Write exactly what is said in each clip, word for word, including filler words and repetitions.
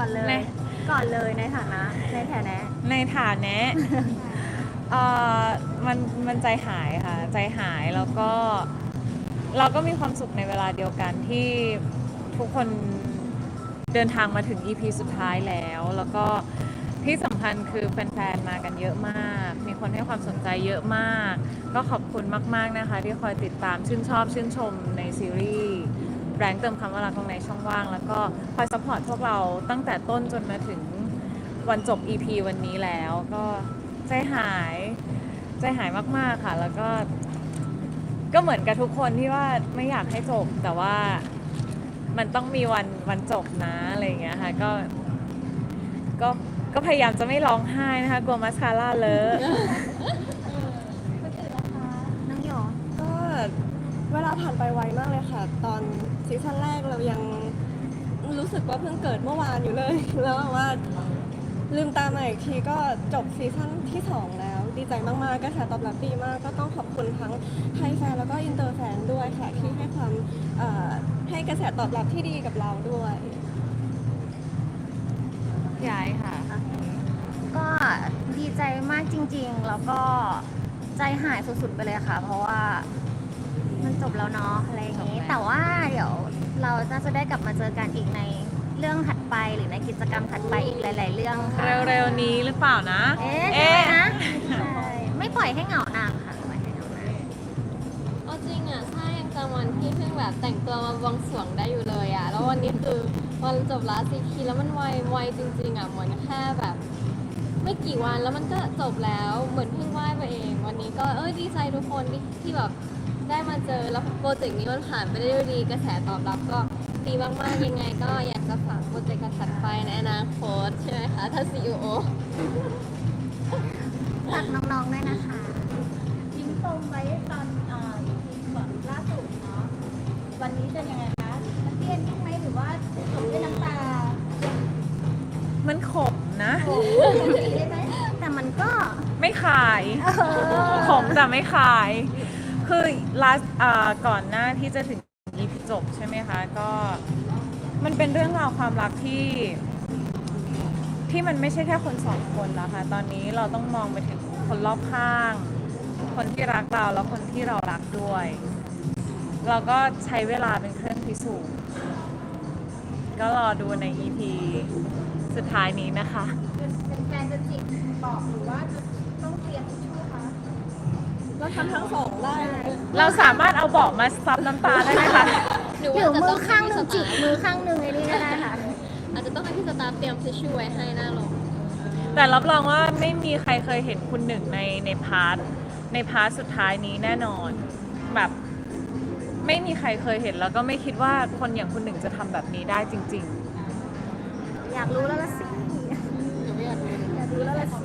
อนเลยก่อนเลยในฐานะในฐานะในฐานะเอ่อมันมันใจหายค่ะใจหายแล้วก็เราก็มีความสุขในเวลาเดียวกันที่ทุกคนเดินทางมาถึง อี พี สุดท้ายแล้วแล้วก็ที่สำคัญคือแฟนๆมากันเยอะมากมีคนให้ความสนใจเยอะมากก็ขอบคุณมากๆนะคะที่คอยติดตามชื่นชอบชื่นชมในซีรีส์แรงเติมคำว่ารักตรงในช่องว่างแล้วก็คอยซัพพอร์ตพวกเราตั้งแต่ต้นจนมาถึงวันจบ อี พี วันนี้แล้วก็ใจหายใจหายมากๆค่ะแล้วก็ก็เหมือนกับทุกคนที่ว่าไม่อยากให้จบแต่ว่ามันต้องมีวันวันจบนะอะไรอย่างเงี้ยค่ะก็ก็ก็พยายามจะไม่ร้องไห้นะคะกลัวมัสคาร่าเลอะน้องหยอก็เวลาผ่านไปไวมากเลยค่ะ ตอนซีซั่นแรกเรายังรู้สึกว่าเพิ่งเกิดเมื่อวานอยู่เลย แล้วแบบว่าลืมตามาอีกทีก็จบซีซั่นที่สองแล้ว ดีใจมากๆกระแสตอบรับดีมาก ก็ต้องขอบคุณทั้งไทยแฟนแล้วก็อินเตอร์แฟนด้วยค่ะที่ให้ความเอ่อให้กระแสตอบรับที่ดีกับเราด้วยย้ายค่ะก็ดีใจมากจริงๆ แล้วก็ใจหายสุดๆไปเลยค่ะ เพราะว่ามันจบแล้วเนาะอะไรอย่างนี้ แต่ว่าเดี๋ยวเราน่าจะได้กลับมาเจอกันอีกในเรื่องถัดไปหรือในกิจกรรมถัดไปอีกหลาย ๆ เรื่องค่ะเร็วๆนี้หรือเปล่านะเอ๊ะใช่ไหมนะใช่ไม่ปล่อยให้เหงานานค่ะไม่ปล่อยให้เหงานานเอาจริงอ่ะใช่ยังจำวันที่เพิ่งแบบแต่งตัวมาบวงสรวงได้อยู่เลยอ่ะแล้ววันนี้คือวันจบลาซีคีแล้วมันไวไวจริงๆอ่ะเหมือนแค่แบบ ไม่กี่วันแล้วมันก็จบแล้วเหมือนเพิ่งไหว้ไปเอง วันนี้ก็เอ้ยดีใจทุกคนที่ที่แบบได้มาเจอแล้วโปรเจกต์นี้มันผ่านไปได้ด้วยดีกระแสตอบรับก็ดีมากๆยังไง ก็อยากจะฝากโปรเจกต์ถัดไปในอนาคตใช่ไหมคะถ้า ซี อี โอฝากน้องๆด้วยนะคะทิ้งปมไว้ตอนเอ่อ อี พี ก่อนล่าสุดเนาะวันนี้จะยังไงคะมันเตี้ยนไหมหรือว่าจบด้วยน้ำตามันขมนะได้ไหมแต่มันก็ไม่ขายเออขมแต่ไม่ขาย คือ last อ่าก่อนหน้าที่จะถึง อี พี จบใช่ไหมคะ ก็มันเป็นเรื่องราวความรักที่ ที่มันไม่ใช่แค่คนสองคนแล้วค่ะ ตอนนี้เราต้องมองไปถึงคนรอบข้าง คนที่รักเราแล้วคนที่เรารักด้วย เราก็ใช้เวลาเป็นเครื่องพิสูจน์ ก็รอดูใน อี พี สุดท้ายนี้นะคะเป็นแฟนจะจิกบอกหรือว่าจะต้องเตรียมทิชชู่คะเราทำทั้งสองได้เลยเราสามารถเอาเบาะมาซับน้ำตาได้ไหมคะหรือหว่ารือจะมืต้อองข้างหนึ่งให้จิพี่สตาฟกมือข้างหนึ่งไอ้นี่ก็ได้ค่ะอาจจะต้องให้พี่สตาฟเตรียมทิชชู่ไว้ให้หน้าลงแต่รับรองว่าไม่มีใครเคยเห็นคุณหนึ่งในในพาร์ทในพาร์ทสุดท้ายนี้แน่นอน แบบไม่มีใครเคยเห็นแล้วก็ไม่คิดว่าคนอย่างคุณหนึ่งจะทำแบบนี้ได้จริงอยากรู้แล้วละสิไม่อยากรู้อยากรู้แล้วละสิ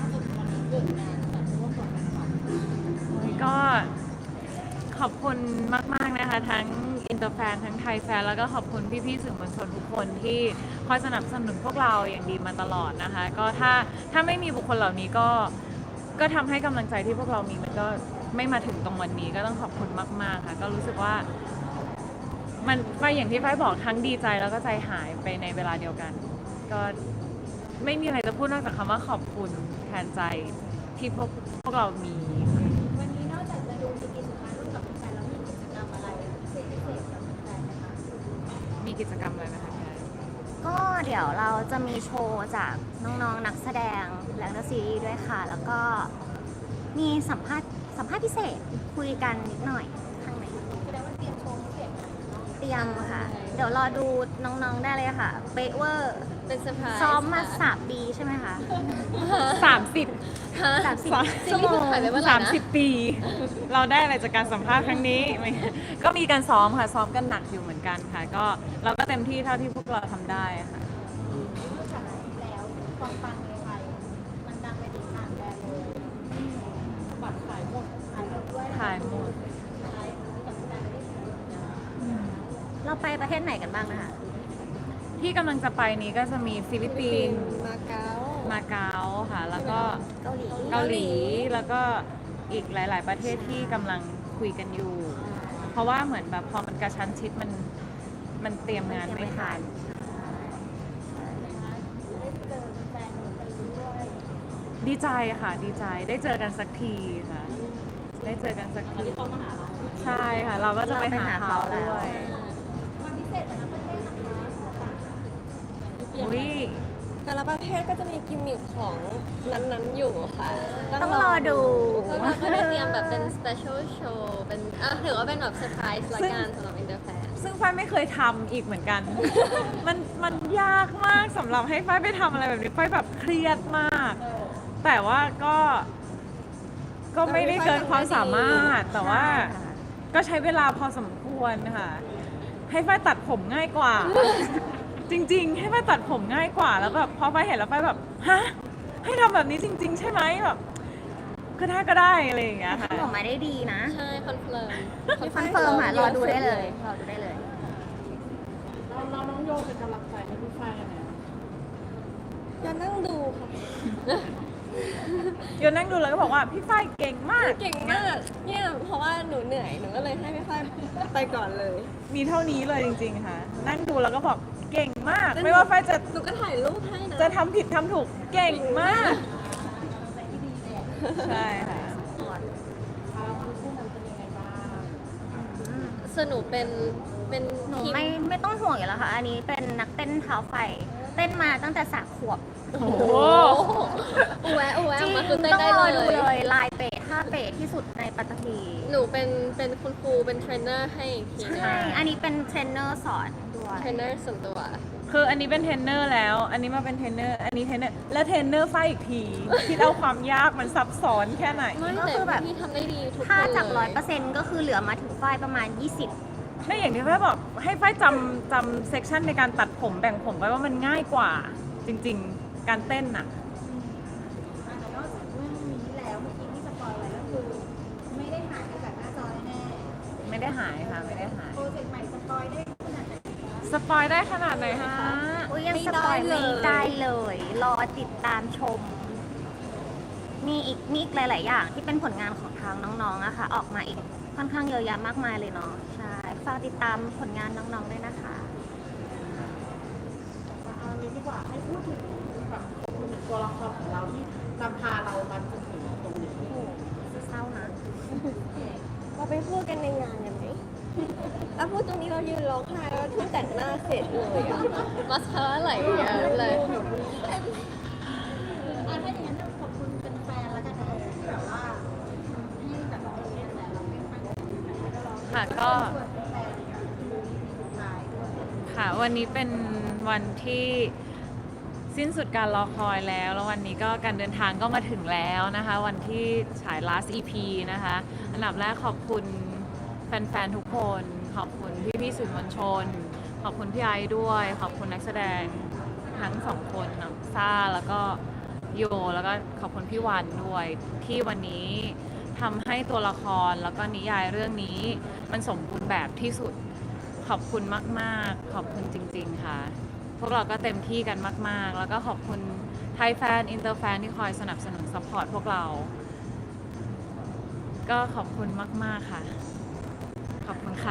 ๆ ก็ขอบคุณมากๆนะคะ ทั้งอินเตอร์แฟนทั้งไทยแฟนแล้วก็ขอบคุณพี่ๆสื่อมวลชนทุกคนที่คอยสนับสนุนพวกเราอย่างดีมาตลอดนะคะ ก็ถ้าถ้าไม่มีบุคคลเหล่านี้ก็ก็ทำให้กำลังใจที่พวกเรามีมันก็ไม่มาถึงตรงวันนี้ก็ต้องขอบคุณมากๆค่ะก็รู้สึกว่ามันก็อย่างที่ฝ้ายบอกทั้งดีใจแล้วก็ใจหายไปในเวลาเดียวกัน ก็ไม่มีอะไรจะพูดนอกจากคำว่าขอบคุณแทนใจที่พวกพวกเรามีวันนี้นอกจากจะดู อี พี สุดท้ายร่วมกับแฟนแล้วมีกิจกรรมอะไรพิเศษพิเศษกับแฟนไหมคะมีกิจกรรมอะไรไหมคะพี่ไอซ์ก็เดี๋ยวเราจะมีโชว์จากน้องๆนักแสดงและนักซีรีส์ด้วยค่ะ แล้วก็มีสัมภาษณ์สัมภาษณ์พิเศษคุยกันนิดหน่อยข้างในแสดงว่าเตรียมโชว์พิเศษมาเนาะเตรียมค่ะ เดี๋ยวรอดูน้องๆได้เลยค่ะ เป๊ะเวอร์เป็นเซอร์ไพรส์ซ้อมมาสามปีใช่ไหมคะสามสิบฮะสามสิบสามซีรีส์ถ่ายไปเมื่อไหร่สามนะสิบปี เราได้อะไรจากการสัมภาษณ์ครั้งนี้ไม่ก็มีการซ้อมค่ะซ้อมกันหนักอยู่เหมือนกันค่ะ ก็เราก็เต็มที่เท่าที่พวกเราทำได้ค่ะนอกจากนั้นแล้วความปังในไทยมันดังไปถึงต่างแดนเลยบัตรขายหมดขายหมดด้วยขายหมดขายกับการได้ขายหมดนะเราไปประเทศไหนกันบ้างนะคะที่กำลังจะไปนี้ก็จะมีฟิลิปปินส์มาเก๊ามาเก๊าค่ะ แล้วก็เกาหลีเกาหลีแล้วก็อีกหลาย ๆ ประเทศที่กำลังคุยกันอยู่ เพราะว่าเหมือนแบบพอมันกระชั้นชิดมันมันเตรียมงานไม่ทันถดีใจค่ะดีใจได้เจอกันสักทีค่ะ ได้เจอกันสักทีใช่ค่ะ เราก็จะไปหาเขาด้วยวันพิเศษแต่ละประเทศนะคะอุ้ยแต่ละประเทศก็จะมีกิมมิคของนั้นๆอยู่ค่ะต้องรอดูพวกเราก็ได้เตรียมแบบเป็น special show เป็นอ่ะถือว่าเป็นแบบเซอร์ไพรส์ละกันสำหรับ Interfan ซึ่งฝ้ายไม่เคยทำอีกเหมือนกัน มันมันยากมากสำหรับให้ฝ้ายไปทำอะไรแบบนี้ฝ้ายแบบเครียดมาก แต่ว่าก็ ก็ไม่ได้เกินความสามารถ แต่ว่าก็ใช้เวลาพอสมควรค่ะ ให้ฝ้ายตัดผมง่ายกว่า จริง ๆ ให้ฝ้ายตัดผมง่ายกว่า แล้วแบบพอฝ้ายเห็นแล้วฝ้ายแบบ ฮะ ให้ทำแบบนี้จริง ๆ ใช่ไหมแบบก็ได้ก็ได้อะไรอย่างเงี้ยค่ะทำออกมาได้ดีนะใช่คอนเฟิร์มคอนเฟิร์มค่ะรอดูได้เลยรอดูได้เลยเราเราน้องโยเป็นกำลังใจให้พี่ฝ้ายยังไงอย่านั่งดูค่ะโยนนั่งดูแล้วก็บอกว่าพี่ฝ้ายเก่งมากเก่งมากเนี่ยเพราะว่าหนูเหนื่อยหนูก็เลยให้พี่ฝ้ายไปก่อนเลยมีเท่านี้เลยจริง ๆ ค่ะ นั่งดูแล้วก็บอกเก่งมาก ไม่ว่าฝ้ายจะหนูก็ถ่ายรูปให้นะจะทำผิดทำถูกเก่งมาก ใช่ค่ะสนุกเป็นเป็นหนูทีมไม่ไม่ต้องห่วงอยู่แล้วค่ะ อันนี้เป็นนักเต้นเท้าไฟ เต้นมาตั้งแต่สามขวบโอ้โหอูแวะอูแวะจอริอง กมาคือเต้นต้องได้รอเลดูยเลยลายเป๊ะท่าเป๊ะที่สุดในปัตตภีหนูเป็นเป็นคุณครูเป็นเทรนเนอร์ให้อีกทีหนึงใช่ อันนี้เป็นเทรนเนอร์สอนด้วยเทรนเนอร์ส่วนตัวคืออันนี้เป็นเทรนเนอร์แล้ว อันนี้มาเป็นเทรนเนอร์ อันนี้เทรนเนอร์ และเทรนเนอร์ฝ้ายอีกที คิดเอาความยากมันซับซ้อนแค่ไหนไม่ก็แต่คือแบบพี่ทำได้ดีทุกคนถ้าจากร้อยเลเปอร์เซ็นต์ก็คือเหลือมาถึงฝ้ายประมาณ ยี่สิบไม่อย่างที่ฝ้ายบอกให้ฝ้ายจำจำเซกชันในการตัดผมแบ่งผมไว้ว่ามันง่ายกว่า จริง ๆ การเต้นน่ะอ่ะแต่นอกจากเรื่องนี้แล้วเมื่อกี้ที่สปอยไว้ก็คือ ไม่ได้หายไปจากหน้าจอแน่ไม่ได้หายค่ะ ไม่ได้หายๆโปรเจกต์ใหม่สปอยได้ขนาดไหนคะสปอยได้ขนาดไหนคะอุ้ยยังไม่สปอยได้ไม่เลยได้เลย รอติดตามชม มีอีกมีอีกหลาย ๆ อย่างที่เป็นผลงานของทางน้องๆอะค่ะ ออกมาอีกค่อนข้างเยอะแยะมากมายเลยเนาะ ใช่ ฝากติดตามผลงานน้องๆด้วยนะคะเอางี้ดีกว่าให้พูดถึงแบบพูดถึงตัวละครของเราที่นำพาเรามาจนถึงตรงนี้เศร้านะเราไปพูดกันในงานกันไหมแล้วพูดตรงนี้เรายืนร้องไห้แล้วเพิ่งแต่งหน้าเสร็จเลยอะมัสคาร่าไหลเยอะเลยอ่ะถ้าอย่างนั้นขอบคุณเป็นแฟนๆแล้วกันนะที่แบบว่าให้แบบเราเนี่ยแหละเราไม่ค่อยได้แล้วเราค่ะก็ชวนแฟนๆดูสุดท้ายด้วยค่ะวันนี้เป็นวันที่สิ้นสุดการรอคอยแล้ว แล้ววันนี้ก็การเดินทางก็มาถึงแล้วนะคะ วันที่ฉาย last อี พี นะคะ อันดับแรกขอบคุณแฟนๆ ทุกคน ขอบคุณพี่ๆสื่อมวลชน ขอบคุณพี่ไอซ์ด้วย ขอบคุณนักแสดงทั้งสองคนน้องซ่าแล้วก็โย แล้วก็ขอบคุณพี่วันด้วย ที่วันนี้ทำให้ตัวละครแล้วก็นิยายเรื่องนี้มันสมบูรณ์แบบที่สุด ขอบคุณมากๆ ขอบคุณจริงๆ ค่ะ พวกเราก็เต็มที่กันมากๆ แล้วก็ขอบคุณไทยแฟน อินเตอร์แฟนที่คอยสนับสนุนซัพพอร์ตพวกเรา ก็ขอบคุณมากๆ ค่ะ ขอบคุณค่ะ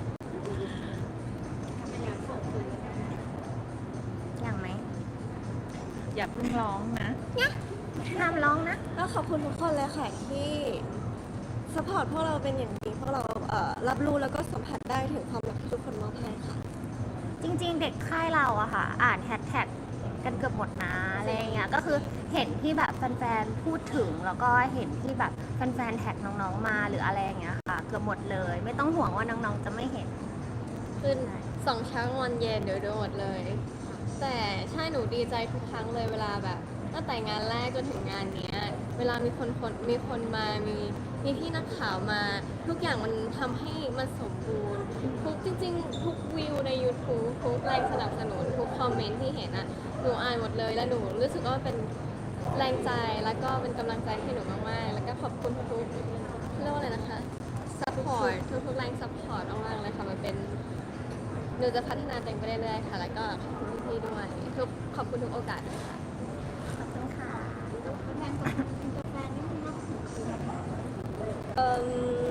อย่างไหมอย่าเพิ่งร้องนะห้ามร้องนะแล้วขอบคุณทุกคนเลยค่ะที่สปอร์ตพวกเราเป็นอย่างดีพวกเราเอ่อรับรู้แล้วก็สัมผัสได้ถึงความรักที่ทุกคนมอบให้ค่ะจริงๆ เด็กค่ายเราอะค่ะ อ่านแฮชแท็กกันเกือบหมดนะอะไรอย่างเงี้ยก็คือเห็นที่แบบแฟนๆ พูดถึงแล้วก็เห็นที่แบบแฟนๆ แท็กน้องๆ มาหรืออะไรอย่างเงี้ยค่ะ เกือบหมดเลย ไม่ต้องห่วงว่าน้องๆ จะไม่เห็นขึ้นสองเช้ากลางวันเย็นเดี๋ยวโดนหมดเลย แต่ใช่หนูดีใจทุกครั้งเลยเวลาแบบตั้งแต่งานแรกจนถึงงานเนี้ย เวลามีคนคนมีคนมามีมีพี่นักข่าวมา ทุกอย่างมันทำให้มันสมบูรณ์ทุกจริง ๆ ทุกวิวใน YouTube ทุกแรงสนับสนุนทุกคอมเมนต์ที่เห็นอ่ะหนูอ่านหมดเลยแล้วหนูรู้สึกว่าเป็นแรงใจแล้วก็เป็นกำลังใจให้หนูมากๆแล้วก็ขอบคุณทุกๆเรียกว่าอะไรนะคะ ซัพพอร์ตทุกๆแรงซัพพอร์ตมากๆเลยค่ะมันเป็นหนูจะพัฒนาตัวเองไปเรื่อยๆค่ะ แล้วก็ขอบคุณพี่ๆด้วยทุกขอบคุณทุกโอกาสเลยค่ะขอบคุณค่ะแฟนของอินเตอร์แฟนนี่มันมากสุดคืออะไร Um,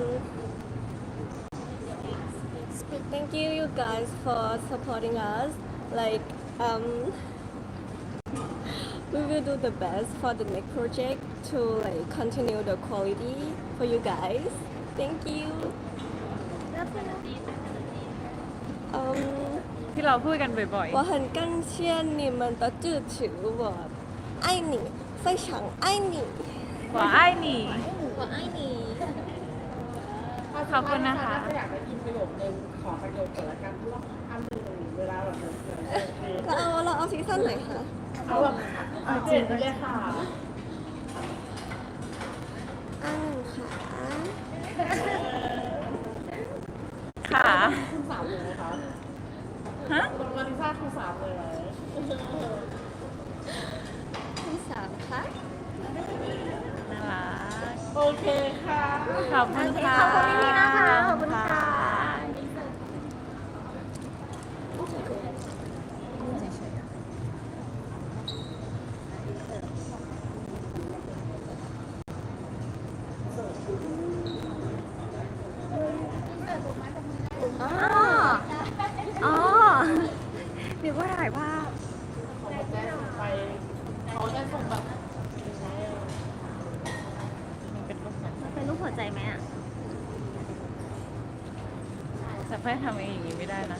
thank you, you guys, for supporting us. Like, um, we will do the best for the next project to like continue the quality for you guys. Thank you. 嗯， ที่เราพูดกันบ่อย我很感谢你们的支持，我爱你，非常爱你。 ๆว่าไอ้หนี่ว่าไอ้นี่ขอบคุณนะคะถ้าอยากได้ยินประโยคนึงขอประโยคแต่ละกันที่ว่าอันหนึ่งเวลาแบบเหมือนเหมือนเราเอาเราเอาซีซั่นไหนคะเอาแบบเอาจริงเลยค่ะอันหนึ่งค่ะค่ะคุณสามเลยไหมคะฮะตรงมาริซ่าคุณสามเลยไหมที่สามคะน่ารักโอเคค่ะขอบคุณค่ะขอบคุณพี่ๆนะคะขอบคุณค่ะ อ๋อ อ๋อเดี๋ยวว่าถ่ายภาพของแจ๊สไปเขาจะส่งแบบเป็นรูปไหนเป็นรูปหัวใจไหมอ่ะแต่เพื่อนทำเองอย่างนี้ไม่ได้นะ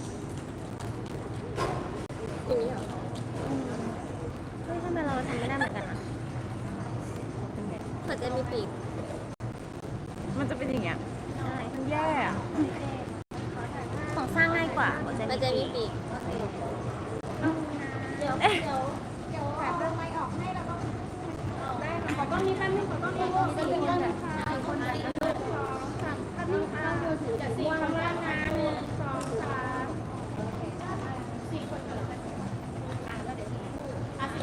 อย่างนี้เหรอเฮ้ยทำไมเราทำไม่ได้เหมือนกันอ่ะหัวใจมีปีกมันจะเป็นอย่างเงี้ยใช่มันแย่อะของสร้างง่ายกว่าหัวใจหัวใจมีปีก